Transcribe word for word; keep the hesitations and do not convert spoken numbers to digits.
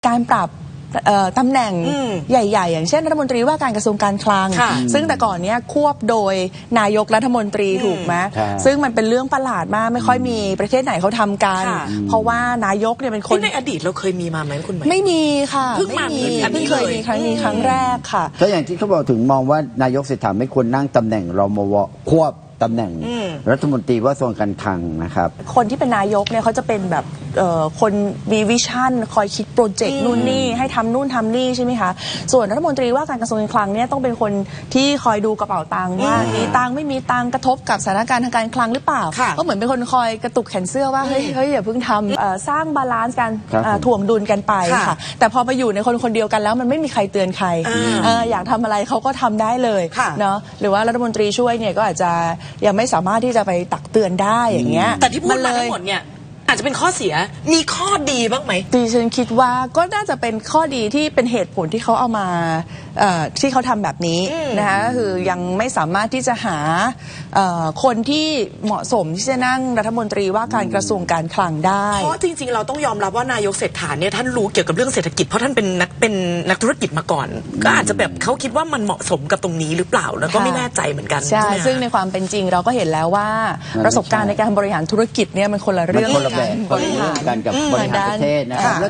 การปรับตำแหน่งใหญ่ๆอย่างเช่นรัฐมนตรีว่าการกระทรวงการคลังซึ่งแต่ก่อนนี้ควบโดยนายกรัฐมนตรีถูกไหมซึ่งมันเป็นเรื่องประหลาดมากไม่ค่อยมีประเทศไหนเขาทำกันเพราะว่านายกเนี่ยเป็นคนในอดีตเราเคยมีมาไหมคุณหมายไม่มีค่ะเพิ่งมามีเพิ่งเคยมีครั้งนี้ครั้งแรกค่ะก็อย่างที่เขาบอกถึงมองว่านายกเศรษฐาไม่ควรนั่งตำแหน่งรมวควบตำแหน่งรัฐมนตรีว่าส่วนการคลังนะครับคนที่เป็นนายกเนี่ยเขาจะเป็นแบบคนมีวิชั่นคอยคิดโปรเจกต์นู่นนี่ให้ทำนู่นทำนี่ใช่ไหมคะส่วนรัฐมนตรีว่าการกระทรวงการคลังเนี่ยต้องเป็นคนที่คอยดูกระเป๋าตังค์ว่ามีตังค์ไม่มีตังค์กระทบกับสถานการณ์ทางการคลังหรือเปล่าก็เหมือนเป็นคนคอยกระตุกแขนเสื้อว่าเฮ้ยเฮ้ยอย่าเพิ่งทำสร้างบาลานซ์กันถ่วงดุลกันไปค่ะแต่พอมาอยู่ในคนคนเดียวกันแล้วมันไม่มีใครเตือนใครอยากทำอะไรเขาก็ทำได้เลยเนาะหรือว่ารัฐมนตรีช่วยเนี่ยก็อาจจะยังไม่สามารถที่จะไปตักเตือนได้อย่างเงี้ยแต่ที่พูดมาทั้งหมดเนี่ยอาจจะเป็นข้อเสียมีข้อดีบ้างไหมดิฉันคิดว่าก็น่าจะเป็นข้อดีที่เป็นเหตุผลที่เขาเอามาที่เขาทำแบบนี้นะคะก็คือยังไม่สามารถที่จะหาคนที่เหมาะสมที่จะนั่งรัฐมนตรีว่าการกระทรวงการคลังได้เพราะจริงๆเราต้องยอมรับว่านายกเศรษฐาเนี่ยท่านรู้เกี่ยวกับเรื่องเศรษฐกิจเพราะท่านเป็นนักเป็นนักธุรกิจมาก่อนก็อาจจะแบบเขาคิดว่ามันเหมาะสมกับตรงนี้หรือเปล่าแล้วก็ไม่แน่ใจเหมือนกันใช่ซึ่งในความเป็นจริงเราก็เห็นแล้วว่าประสบการณ์ในการบริหารธุรกิจเนี่ยมันคนละเรื่องกันบริหารกันกับบริหารประเทศนะครับ